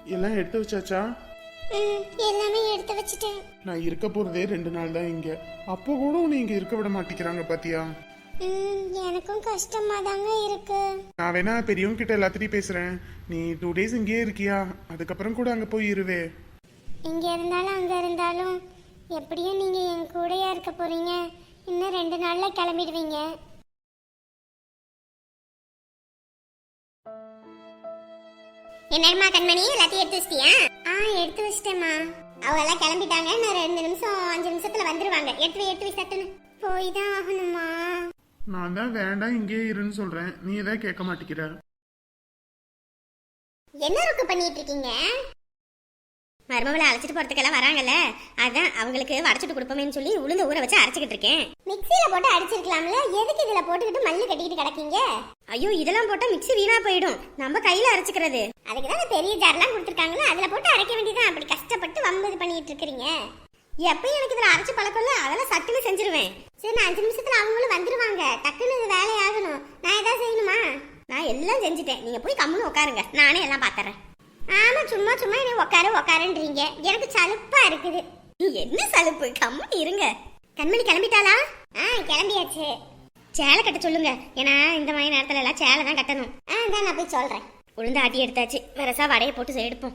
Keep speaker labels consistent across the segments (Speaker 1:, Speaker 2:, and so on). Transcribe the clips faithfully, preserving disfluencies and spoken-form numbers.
Speaker 1: எல்லாம் எடுத்து வச்சாச்சா?
Speaker 2: ம், எல்லாமே எடுத்து வச்சிட்டேன்.
Speaker 1: நான் இருக்க போறதே ரெண்டு நாள் தான் இங்க. அப்போ கூட நீங்க இருக்க விட மாட்டேங்கிறாங்க பாத்தியா?
Speaker 2: ம், எனக்கும் கஷ்டமா தாங்க இருக்கு.
Speaker 1: நான் வேணா பெரியவங்க கிட்ட எல்லாத்திட்டையும் பேசுறேன். நீ டூ டேஸ் இங்கேயே இருக்கியா? அதுக்கப்புறம் கூட அங்க போய் இருவே.
Speaker 2: இங்க இருந்தாலும் அங்க இருந்தாலும் எப்படியும் நீங்க என் கூடயா இருக்க போறீங்க. இன்னும் ரெண்டு நாள்ல கிளம்பிடுவீங்க. என்னம்மா கண்மணி, எல்லாத்தையும் எடுத்து வச்சிட்டியா? ஆ, எடுத்து வச்சிட்டேம்மா. அவங்க எல்லாம் கிளம்பிட்டாங்க. இன்னும் ரெண்டு நிமிஷம் அஞ்சு நிமிஷத்துல வந்துருவாங்க. எடுத்து வை, எடுத்து வை சட்டுன்னு. போய் தான் ஆகணுமா?
Speaker 1: நான் தான் வேண்டாம் இங்கேயே இருன்னு சொல்றேன். நீ எதாவது கேட்க மாட்டேங்கிற.
Speaker 2: என்ன ருக்கு பண்ணிட்டு இருக்கீங்க? மருமகளை அழைச்சிட்டு போறதுக்கெல்லாம் வராங்கல்ல, அதான் அவங்களுக்கு வடைச்சிட்டு கொடுப்போமேன்னு சொல்லி உளுந்த ஊற வச்சு அரைச்சிக்கிட்டு இருக்கேன். மிக்சியில போட்டு அடிச்சிருக்கலாம்ல, எதுக்கு இதுல போட்டுக்கிட்டு மல்லு கட்டிக்கிட்டு கிடக்கீங்க? ஐயோ, இதெல்லாம் போட்டா மிக்சி வீணா போயிடும். நம்ம கையில அரைச்சிக்கிறது. அதுக்கு தான் பெரிய ஜார்லாம் கொடுத்துருக்காங்களா, அதுல போட்டு அரைக்க வேண்டியதான். அப்படி கஷ்டப்பட்டு வம்பது பண்ணிட்டு இருக்கீங்க. எப்பயும் எனக்கு இதுல அரைச்சு பழக்கம் இல்ல, அதெல்லாம் சட்டுன்னு செஞ்சிருவேன். சரி, நான் அஞ்சு நிமிஷத்துல அவங்களும் வந்துருவாங்க. டக்குன்னு இது வேலையாகணும். நான் ஏதாவது செய்யணுமா? நான் எல்லாம் செஞ்சுட்டேன். நீங்க போய் கம்முன்னு உட்காருங்க, நானே எல்லாம் பாத்துறேன். ஆமா, சும்மா சும்மா என்ன உட்காரு உட்காருன்றீங்க. எனக்கு சலுப்பா இருக்குது. என்ன சலுப்பு? கம்முன்னு இருங்க. கண்மணி கிளம்பிட்டாளா? ஆ, கிளம்பியாச்சு. சேலை கட்ட சொல்லுங்க. ஏன்னா இந்த மாதிரி நேரத்துல எல்லாம் சேலை தான் கட்டணும். ஆ, தான் நான் போய் சொல்றேன். உளுந்து ஆட்டி எடுத்தாச்சு. வரசா வடையை போட்டு எடுப்போம்.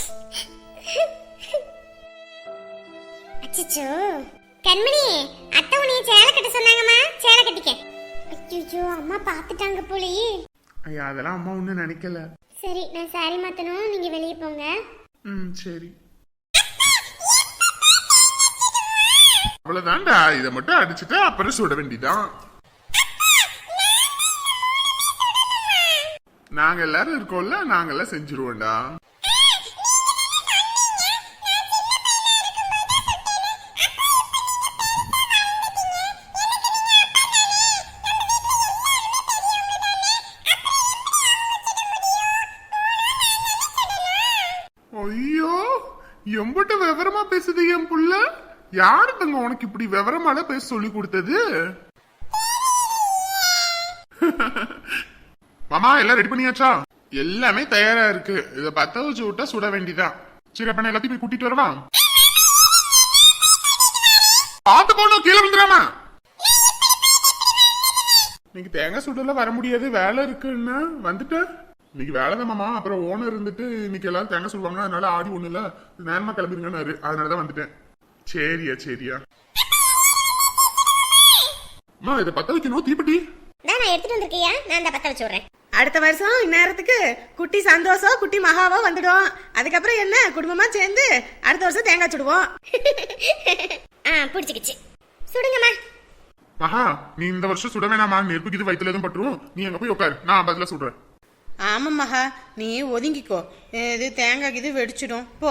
Speaker 2: அச்சச்சோ, கண்மணி, அத்தை உன்னைய சேலை கட்ட சொன்னாங்கம்மா. சேலை கட்டிக்க. அச்சச்சோ, அம்மா பாத்துட்டாங்க போலயே.
Speaker 1: ஐயா, அதெல்லாம் அம்மா ஒன்னும் நினைக்கல.
Speaker 2: சரி, நான் சாரி மாத்தணும். நீங்க வெளியே போங்க.
Speaker 1: ம், சரி. அவ்வளவுதான்டா. இதை மட்டும் அடிச்சுட்டு அப்புறம் சுட வேண்டிதான். நாங்க எல்லாரும் இருக்கோம்ல, நாங்க எல்லாம் செஞ்சிருவோம்டா. ஐயோ, எம்பிட்ட விவரமா பேசுது என் புள்ள. யாரு தங்க உனக்கு இப்படி விவரமால பேச சொல்லி கொடுத்தது? மாமா, எல்லாம் ரெடி பண்ணியாச்சா? எல்லாமே தயாரா இருக்கு. இத பத்த வச்சு விட்டா சுட வேண்டிதான். சரி, அப்ப நான் எல்லாத்தையும் போய் கூட்டிட்டு வரவா? பாத்து போனோம், கீழே விழுந்துடாமா. இன்னைக்கு தேங்காய் சுடல வர முடியாது, வேலை இருக்குன்னா வந்துட்டு. இன்னைக்கு வேலைதான் மாமா. அப்புறம் ஓனர் இருந்துட்டு இன்னைக்கு எல்லாரும் தேங்காய் சொல்லுவாங்க, அதனால ஆடி ஒண்ணு இல்ல, நேரமா கிளம்பிருங்கன்னாரு. அதனாலதான் வந்துட்டேன். சரியா சரியா. அம்மா, இதை பத்த வைக்கணும். தீப்பெட்டி
Speaker 2: நான் எடுத்துட்டு வந்திருக்கியா? நான் அந்த பத்த வச்சு விடுறேன்.
Speaker 3: அடுத்த வருஷம் இந்நேரத்துக்கு குட்டி சந்தோஷம் குட்டி மகாவோ வந்துடும். அதுக்கப்புறம் என்ன, குடும்பமா சேர்ந்து அடுத்த வருஷம் தேங்காய் சுடுவோம்.
Speaker 2: ஆ, பிடிச்சிக்கிச்சு. சுடுங்கம்மா.
Speaker 1: மகா, நீ இந்த வருஷம் சுட வேணாமா? நெருப்புக்கு இது வயிற்றுல எதுவும் பட்டுரும். நீ அங்க போய் உட்காரு, நான் பதில சுடுறேன்.
Speaker 3: ஆமா மகா, நீ ஒதுங்கிக்கோ. இது தேங்காய் இது வெடிச்சிடும். போ.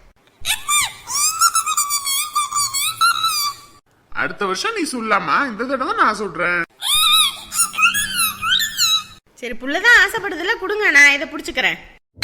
Speaker 1: அடுத்த வருஷம் நீ சொல்லலாமா? இந்த தடவை நான் சொல்றேன்.
Speaker 3: சரி, புள்ளதான் ஆசைப்படுதுல, கொடுங்க, நான் இதை புடிச்சுக்கிறேன்.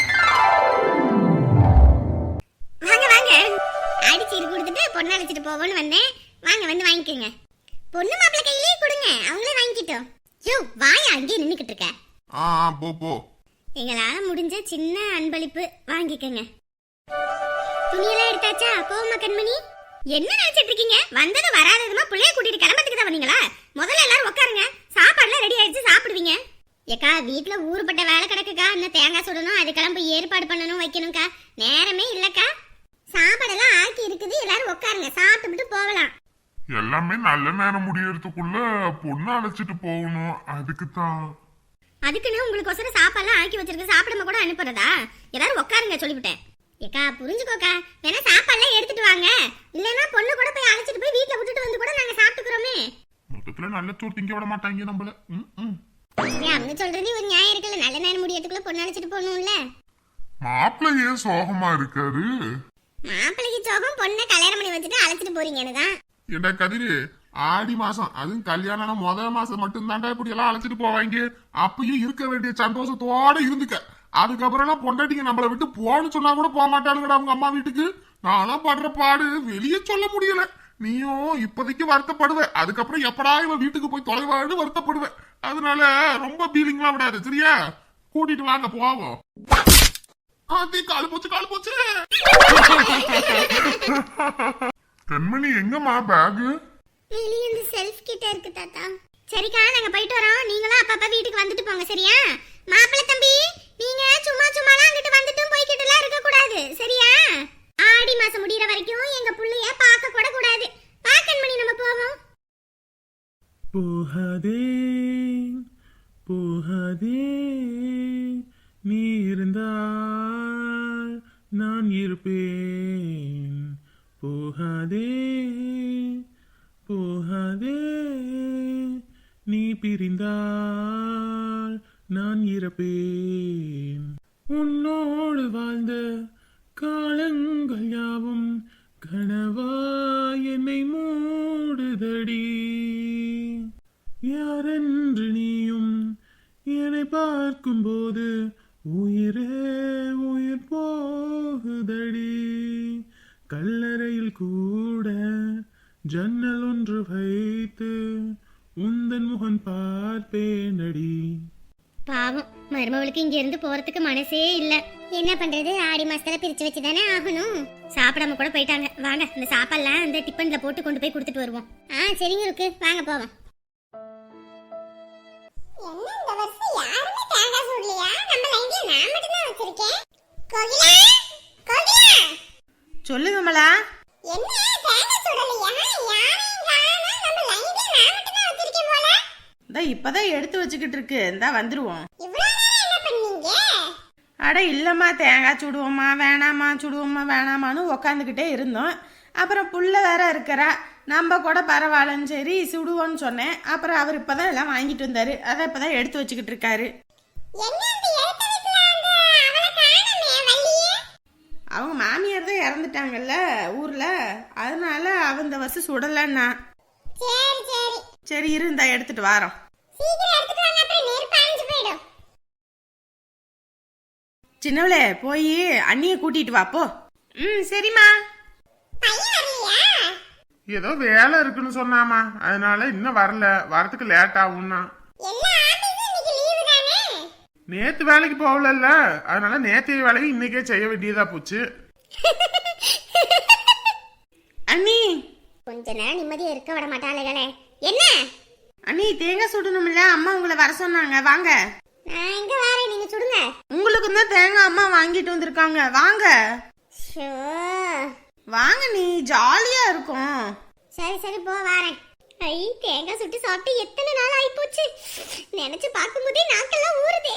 Speaker 2: வாங்க வாங்க, அடிச்சு கொடுத்துட்டு பொண்ணு அழைச்சிட்டு போவோன்னு வந்தேன். வாங்க, வந்து வாங்கிக்கோங்க. பொண்ணு மாப்பிள்ளை கையிலேயே கொடுங்க, அவங்களே வாங்கிக்கிட்டோம். யோ, வாய அங்கேயே நின்னுக்கிட்டு இருக்க.
Speaker 1: ஆ, போ போ.
Speaker 2: எங்களால முடிஞ்ச சின்ன அன்பளிப்பு வாங்கிக்கங்க. துணியெல்லாம் எடுத்தாச்சா? போமா கண்மணி. என்ன நினைச்சிட்டு இருக்கீங்க? வந்தது வராததுமா பிள்ளைய கூட்டிட்டு கிளம்பத்துக்கு தான் வந்தீங்களா? முதல்ல எல்லாரும் உட்காருங்க, சாப்பாடுலாம் ரெடி ஆயிடுச்சு, சாப்பிடுவீங்க. ஏக்கா, வீட்டுல ஊருப்பட்ட வேலை கிடக்குக்கா. இன்னும் தேங்காய் சுடணும், அதுக்கெல்லாம் போய் ஏற்பாடு பண்ணணும், வைக்கணும்க்கா. நேரமே இல்லக்கா. சாப்பாடெல்லாம் ஆக்கி இருக்குது, எல்லாரும் உட்காருங்க, சாப்பிட்டு போகலாம்.
Speaker 4: எல்லாமே நல்ல நேரம் முடியறதுக்குள்ள பொண்ணு அழைச்சிட்டு போகணும். அதுக்கு தான்.
Speaker 2: அதுக்குன்னு உங்களுக்கு ஒசரம் சாப்பாடுலாம் ஆக்கி வச்சிருக்கு, சாப்பிடாம கூட அனுப்புறதா? எல்லாரும் உட்காருங்க சொல்லிவிட்டேன். ஏக்கா, புரிஞ்சுக்கோக்கா. வேணா சாப்பாடுலாம் எடுத்துட்டு வாங்க. இல்லைன்னா பொண்ணு கூட போய் அழைச்சிட்டு போய் வீட்டுல விட்டுட்டு வந்து கூட நாங்க சாப்பிட்டுக்கிறோமே.
Speaker 4: மொத்தத்துல நல்ல சோறு திங்க விட மாட்டாங்க நம்மள.
Speaker 2: அவங்க சொல்றது ஒரு நியாயம் இருக்குல்ல. நல்ல நேரம் முடியறதுக்குள்ள பொண்ணு அழைச்சிட்டு போகணும்ல.
Speaker 4: மாப்பிள்ளை ஏன் சோகமா இருக்காரு?
Speaker 2: மாப்பிள்ளைக்கு சோகம், பொண்ணை கல்யாணம் பண்ணி வச்சுட்டு அழைச்சிட்டு போறீங்கன்னு தான்.
Speaker 4: ஏண்டா கதிரு, ஆடி மாசம் அதுவும் கல்யாணம் முதல் மாசம் மட்டும் தாண்டா இப்படி எல்லாம் அழைச்சிட்டு போவாங்க. அப்பயும் இருக்க வேண்டிய சந்தோஷத்தோட இருந்துக்க. அதுக்கப்புறம் எல்லாம் பொண்டாட்டிங்க நம்மளை விட்டு போன்னு சொன்னா கூட போக மாட்டாளுங்கடா அவங்க அம்மா வீட்டுக்கு. நானும் படுற பாடு வெளியே சொல்ல முடியல. நீயும் இப்போதைக்கு வருத்தப்படுவ, அதுக்கப்புறம் எப்படா இவன் வீட்டுக்கு போய் தொலைவாடு வருத்தப்படுவேன். அதனால ரொம்ப பீலிங்லாம் விடாது, சரியா? கூட்டிட்டு வாங்க போவோம். ஆத்தி காலு போச்சு காலு போச்சு. கண்மணி எங்கம்மா பேகு?
Speaker 2: வெளியே இந்த செல்ஃப் கிட்ட இருக்கு தாத்தா. சரிக்கா நாங்க போயிட்டு வரோம். நீங்களும் அப்பப்ப வீட்டுக்கு வந்துட்டு போங்க சரியா? மாப்பிள்ளை தம்பி நீங்க சும்மா சும்மாலாம் அங்கிட்டு வந்துட்டும் போய்கிட்டுலாம் இருக்க கூடாது சரியா? ஆடி மாசம் முடியற வரைக்கும் எங்க புள்ளைய பார்க்க கூட கூடாது. பாக்கன்மணி நம்ம போவோம்.
Speaker 5: போகாதே போகாதே நீ இருந்தால் நான் இருப்பேன். போகாதே போகாதே நீ பிரிந்தால் நான் இறப்பேன். உன்னோடு வாழ்ந்த காலங்கள் யாவும் கனவா என்னை மூடுதடி. யாரென்று நீயும் என்னை பார்க்கும்போது உயிரே உயிர் போகுதடி. கல்லறையில் கூட ஜன்னல் ஒன்று வைத்து உந்தன் முகம் பார்ப்பேனடி.
Speaker 2: பாவம் மருமவளுக்கு இங்க இருந்து போறதுக்கு மனசே இல்ல. என்ன பண்றது? ஆடி மாசத்துல பிரிச்சு வச்சுதானே ஆகணும். சாப்பிடாம கூட போயிட்டாங்க. வாங்க இந்த சாப்பாடுலாம் அந்த டிஃபன்ல போட்டு கொண்டு போய் கொடுத்துட்டு வருவோம். ஆ சரிங்க இருக்கு வாங்க போவோம். என்ன இந்த வருஷம் யாருமே தேங்காய் சுடலையா? நம்ம லைன்ல நான் மட்டும் தான் வச்சிருக்கேன். கோகிலா கோகிலா
Speaker 3: சொல்லு விமலா.
Speaker 2: என்ன தேங்காய் சுடலையா? யாரையும் காணோம். நம்ம லைன்ல நான் மட்டும் தான் வச்சிருக்கேன் போல.
Speaker 3: இந்த இப்பதான் எடுத்து வச்சுக்கிட்டு இருக்கு. இந்தா வந்துருவோம்.
Speaker 2: இவ்வளவு நேரம் என்ன பண்ணீங்க?
Speaker 3: அட இல்லம்மா தேங்காய் சுடுவோமா வேணாமா சுடுவோமா வேணாமான்னு உக்காந்துக்கிட்டே இருந்தோம். அப்புறம் புள்ள வேற இருக்கிறா. நம்ம கூட பரவாயில்லன்னு சரி சுடுவோன்னு சொன்னேன். அப்புறம் அவர் இப்பதான் எல்லாம் வாங்கிட்டு வந்தாரு. அதை இப்பதான் எடுத்து வச்சுக்கிட்டு இருக்காரு.
Speaker 2: என்ன அந்த எழுத்த வீட்ல அந்த அவளை காணோமே வள்ளியே?
Speaker 3: அவங்க மாமியார் தான் இறந்துட்டாங்கல்ல ஊர்ல. அதனால அவ இந்த வருஷம் சுடலன்னா.
Speaker 2: சரி சரி
Speaker 3: சரி இரு இந்த எடுத்துட்டு வாரோம்.
Speaker 2: சீக்கிரம் எடுத்துட்டு வாங்க அப்புறம் நெருப்பு அணைஞ்சு போயிடும்.
Speaker 3: சின்னவளே போய் அண்ணிய கூட்டிட்டு வா போ. ம் சரிம்மா.
Speaker 2: பையன் வரலையா?
Speaker 1: ஏதோ வேலை இருக்குன்னு சொன்னாமா, அதனால இன்னும் வரல. வரதுக்கு லேட் ஆகும்னா.
Speaker 2: எல்லா ஆபீஸும் இன்னைக்கு லீவு தானே?
Speaker 1: நேத்து வேலைக்கு போகலல்ல, அதனால நேற்றைய வேலையை இன்னைக்கே செய்ய வேண்டியதா போச்சு.
Speaker 3: அண்ணி
Speaker 2: கொஞ்ச நேரம் நிம்மதியா இருக்க விட மாட்டாளுகளே. என்ன?
Speaker 3: அண்ணி தேங்காய் சுடணும்ல, அம்மா உங்களை வர சொன்னாங்க. வாங்க.
Speaker 2: நான் எங்க வரேன், நீங்க சுடுங்க.
Speaker 3: உங்களுக்கு தான் தேங்காய் அம்மா வாங்கிட்டு வந்திருக்காங்க. வாங்க
Speaker 2: ஷோ
Speaker 3: வாங்க நீ ஜாலியா இருக்கும்.
Speaker 2: சரி சரி போ வரேன். ஐ தேங்காய் சுட்டு சாப்பிட்டு எத்தனை நாள் ஆயி போச்சு. நினைச்சு பார்க்கும்போதே நாக்கெல்லாம் ஊறுதே.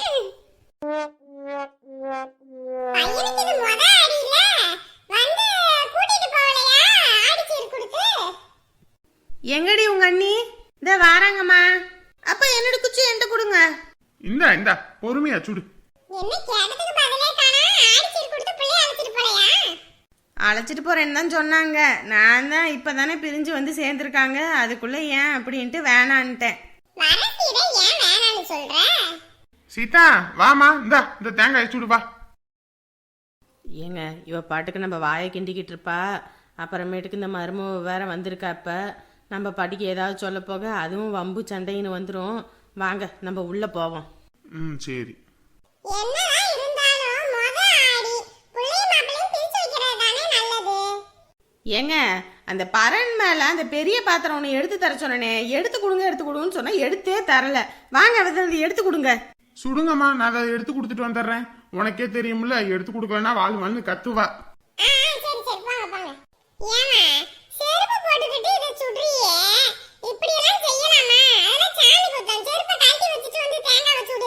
Speaker 2: பையனுக்கு இது முத ஆடியில வந்து கூட்டிட்டு போகலையா ஆடிச்சேர் கொடுத்து?
Speaker 3: எங்கடி உங்க அண்ணி? இந்த வாராங்கம்மா. அப்ப என்னோட குச்சி என்கிட்ட கொடுங்க.
Speaker 1: இந்தா இந்தா பொறுமையா சுடு.
Speaker 2: என்ன கேட்டதுக்கு பதிலே காணா? ஆடிச்சேர் கொடுத்து பிள்ளை அழைச்சிட்டு போலையா?
Speaker 3: அழைச்சிட்டு போறேன்னு தான் சொன்னாங்க. நான் தான் இப்பதானே பிரிஞ்சு வந்து சேர்ந்துருக்காங்க. அதுக்குள்ள ஏன் அப்படின்ட்டு வேணான்ட்டேன்.
Speaker 2: வரசீட ஏன் வேணான்னு சொல்ற?
Speaker 1: சீதா வாமா, இந்தா இந்த தேங்காய் சுடு வா.
Speaker 3: ஏங்க இவ பாட்டுக்கு நம்ம வாயை கிண்டிக்கிட்டு இருப்பா. அப்புறமேட்டுக்கு இந்த மரும வேற வந்திருக்கா. இப்ப நம்ம பாட்டிக்கு ஏதாவது சொல்ல போக அதுவும் வம்பு சண்டைன்னு வந்துடும். வாங்க நம்ம உள்ள போவோம்.
Speaker 1: ம் சரி.
Speaker 2: என்னதான் இருந்தாலும் முத ஆடி புள்ளைய மாப்பிளையும் பிரிச்சு வைக்கிறது தானே நல்லது.
Speaker 3: ஏங்க அந்த பரன் மேல அந்த பெரிய பாத்திரம் ஒன்று எடுத்து தர சொன்னனே, எடுத்து கொடுங்க எடுத்து கொடுங்கன்னு சொன்னா எடுத்தே தரல. வாங்க அதை எடுத்து கொடுங்க.
Speaker 1: சுடுங்கம்மா, நான் அதை எடுத்து கொடுத்துட்டு வந்துடுறேன். உனக்கே தெரியும்ல, எடுத்து கொடுக்கலன்னா வாழ் வாழ்னு கத்துவா.
Speaker 2: ஆ சரி சரி போங்க போங்க. ஏமா செருப்பு போட்டுக்கிட்டு இத சுடுறியே, இப்படி எல்லாம் செய்யலாமா? அதெல்லாம் சாமி குத்தம். செருப்பை கழட்டி வச்சுட்டு வந்து தேங்காய் வச்சுடு.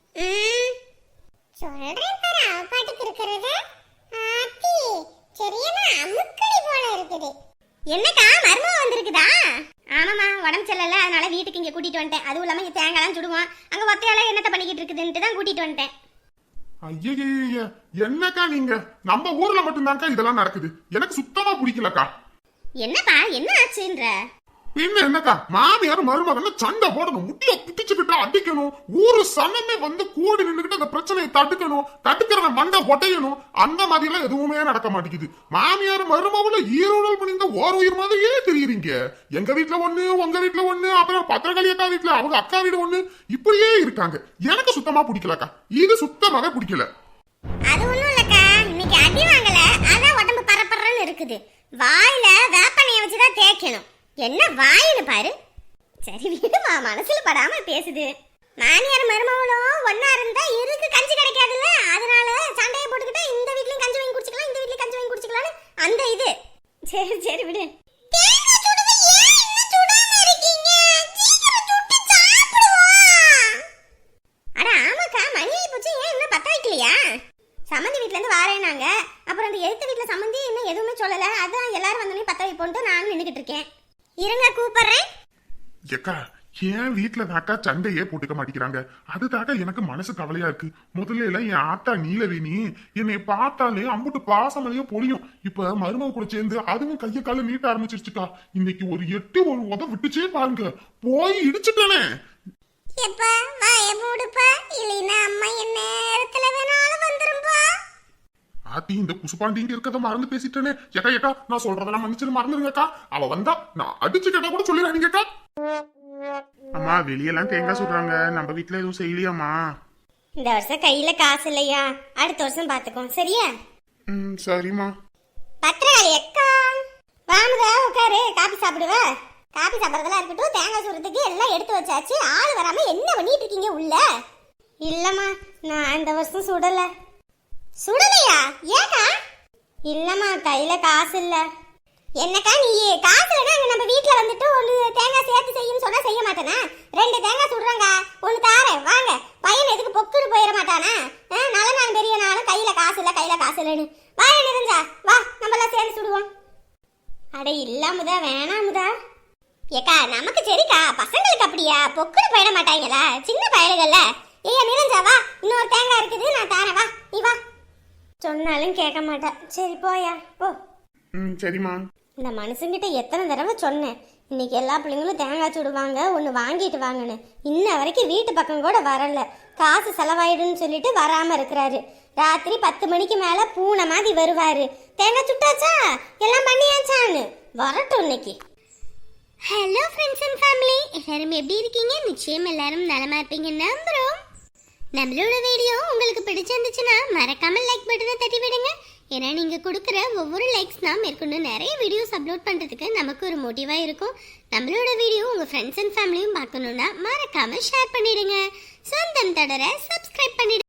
Speaker 2: சொல்றேன் பாரு அவ பாட்டுக்கு இருக்கிறது. ஆத்தி சரியான அமுக்கடி போல இருக்குது. என்னக்கா மர்மம் வந்திருக்குதா? ஆமாமா உடம்பு சரியில்லை, அதனால வீட்டுக்கு இங்க கூட்டிட்டு வந்துட்டேன். அதுவும் இல்லாம இங்க தேங்காய்லாம் சுடுவோம். அங்க ஒத்தையால என்னத்த பண்ணிக்கிட்டு இருக்குதுன்ட்டு தான் கூட்டிட்டு வந்துட்டேன்.
Speaker 1: ஐயய்ய, என்னக்கா நீங்க? நம்ம ஊர்ல மட்டும்தான்க்கா இதெல்லாம் நடக்குது. எனக்கு சுத்தமா பிடிக்கலக்கா.
Speaker 2: என்னப்பா என்ன ஆச்சுன்ற?
Speaker 1: பின்ன என்னக்கா, மாமியார் மருமகன் சண்டை போடணும், முட்டிய பிடிச்சுக்கிட்டு அடிக்கணும், ஊரு சனமே வந்து கூடி நின்றுகிட்டு அந்த பிரச்சனையை தடுக்கணும், தடுக்கிறத மண்டை ஒட்டையணும். அந்த மாதிரி எல்லாம் எதுவுமே நடக்க மாட்டேங்குது. மாமியார் மருமகள ஈரோடல் பண்ணிந்த ஓர் உயிர் மாதிரியே தெரியுறீங்க. எங்க வீட்டுல ஒண்ணு, உங்க வீட்டுல ஒண்ணு, அப்புறம் பத்திரகாளி அக்கா வீட்டுல அவங்க அக்கா வீடு ஒண்ணு, இப்படியே இருக்காங்க. எனக்கு சுத்தமா பிடிக்கலக்கா. இது சுத்தமாக பிடிக்கல.
Speaker 2: அது ஒண்ணும் இல்லக்கா, இன்னைக்கு அடி வாங்கல அதான் உடம்பு பரபரன்னு இருக்குது. வாயில வேப்பனைய வச்சுதான் தேய்க்கணும். என்ன வாயின்னு பாரு. சரி விடுமா, மனசுல படாம பேசுது. மாமியார் மருமகளும் ஒன்னா இருந்தா இருக்கு கஞ்சி கிடைக்காதுல்ல, அதனால சண்டையை போட்டுக்கிட்டா இந்த வீட்லயும் கஞ்சி வாங்கி குடிச்சுக்கலாம் இந்த வீட்லயும் கஞ்சி வாங்கி குடிச்சுக்கலாம்னு அந்த இது. சரி சரி விடு. அட ஆமாக்கா, மணி ஆகி போச்சு. ஏன் இன்னும் பத்த வைக்கலையா? சம்மந்தி வீட்ல இருந்து வாரேனாங்க. அப்புறம் அந்த எழுத்து வீட்ல சம்மந்தி இன்னும் எதுவுமே சொல்லல. அதான் எல்லாரும் வந்தோடனே பத்த வைப்போன்ட்டு நானும் நின்னுக்கிட்டு இருக்கேன். இருங்க கூப்பிடுறேன்.
Speaker 1: ஏக்கா என் வீட்டுல தாக்கா சண்டையே போட்டுக்க மாட்டேங்கிறாங்க. அதுதாக்கா எனக்கு மனசு கவலையா இருக்கு. முதல்ல எல்லாம் என் ஆத்தா நீலவேணி என்னை பார்த்தாலே அம்புட்டு பாசமலையோ பொழியும். இப்ப மருமக கூட சேர்ந்து அதுவும் கைய கால நீட்ட ஆரம்பிச்சிருச்சுக்கா. இன்னைக்கு ஒரு எட்டு ஒரு உத விட்டுச்சே பாருங்க, போய் இடிச்சுட்டானே.
Speaker 2: எப்பா வாய மூடுப்பா, இல்லைன்னா அம்மா என்ன நேரத்துல வேணாலும் வந்துரும்பா.
Speaker 1: ஆத்தி இந்த குசுபாண்டிங்க இருக்கத மறந்து பேசிட்டேனே. ஏக்கா ஏக்கா நான் சொல்றதெல்லாம் மன்னிச்சு மறந்துருங்கக்கா. அவ வந்தா நான் அடிச்சு கேட்டா கூட சொல்லிடுறாங்கக்கா. அம்மா வெளியெல்லாம் தேங்காய் சுடுறாங்க, நம்ம வீட்டுல எதுவும் செய்யலையாம்மா?
Speaker 2: இந்த வருஷம் கையில காசு இல்லையா, அடுத்த வருஷம் பாத்துக்கோ சரியா?
Speaker 1: ம் சரிம்மா.
Speaker 2: பத்திரகாளி அக்கா வாமுதா உட்காரு, காபி சாப்பிடுவ. காபி சாப்பிட்றதெல்லாம் இருக்கட்டும், தேங்காய் சுடுறதுக்கு எல்லாம் எடுத்து வச்சாச்சு. ஆள் வராம என்ன பண்ணிட்டு இருக்கீங்க உள்ள? இல்லம்மா நான் இந்த வருஷம் சுடல. சுடலையா? ஏக்கா? இல்லம்மா கையில காசு இல்ல. என்னக்கா நீ காசு இல்லைன்னா நம்ம வீட்டுல வந்துட்டு ஒன்று தேங்காய் சேர்த்து செய்யும் சொன்னா செய்ய மாட்டேனா? ரெண்டு தேங்காய் சுடுறாங்க, ஒன்று தாரேன் வாங்க. பையன் எதுக்கு பொக்குன்னு போயிட மாட்டானா? நல்ல நாள் பெரிய நாளும் கையில காசு இல்லை கையில காசு இல்லைன்னு வா. நிறைஞ்சா வா, நம்ம எல்லாம் சேர்ந்து சுடுவோம். அட இல்லாமதா வேணாமுதா. ஏக்கா நமக்கு சரிக்கா, பசங்களுக்கு அப்படியா பொக்குன்னு போயிட மாட்டாங்களா? சின்ன பயலுகள்ல. ஏய்யா நிறைஞ்சா வா, இன்னொரு தேங்காய் இருக்குது நான் தாரேன், வா நீ வா. சொன்னாலும் கேட்க மாட்டா. சரி போயா போ.
Speaker 1: ம் சரிம்மா.
Speaker 2: இந்த மனுஷங்கிட்ட எத்தனை தடவை சொன்னேன், இன்னைக்கு எல்லா பிள்ளைங்களும் தேங்காய் சுடுவாங்க ஒன்று வாங்கிட்டு வாங்கன்னு. இன்ன வரைக்கும் வீட்டு பக்கம் கூட வரல. காசு செலவாயிடுன்னு சொல்லிட்டு வராம இருக்கிறாரு. ராத்திரி பத்து மணிக்கு மேல பூனை மாதிரி வருவாரு. தேங்காய் சுட்டாச்சா எல்லாம் பண்ணியாச்சான்னு வரட்டும் இன்னைக்கு. ஹலோ ஃப்ரெண்ட்ஸ் அண்ட் ஃபேமிலி, எல்லாரும் எப்படி இருக்கீங்க? நிச்சயம் எல்லாரும் நலமா இருப்பீங்க நம்புறோம். நம்மளோட வீடியோ உங்களுக்கு பிடிச்சிருந்துச்சுன்னா மறக்காம லைக் பட்டனை தட்டி விடுங்க. ஏன்னா நீங்க கொடுக்குற ஒவ்வொரு லைக்ஸ் தான் மேற்கொண்டு நிறைய வீடியோஸ் அப்லோட் பண்றதுக்கு நமக்கு ஒரு மோட்டிவா இருக்கும். நம்மளோட வீடியோ உங்க ஃப்ரெண்ட்ஸ் அண்ட் ஃபேமிலியும் பார்க்கணும்னா மறக்காம ஷேர் பண்ணிடுங்க. சொந்தம் தொடர சப்ஸ்கிரைப் பண்ணிடுங்க.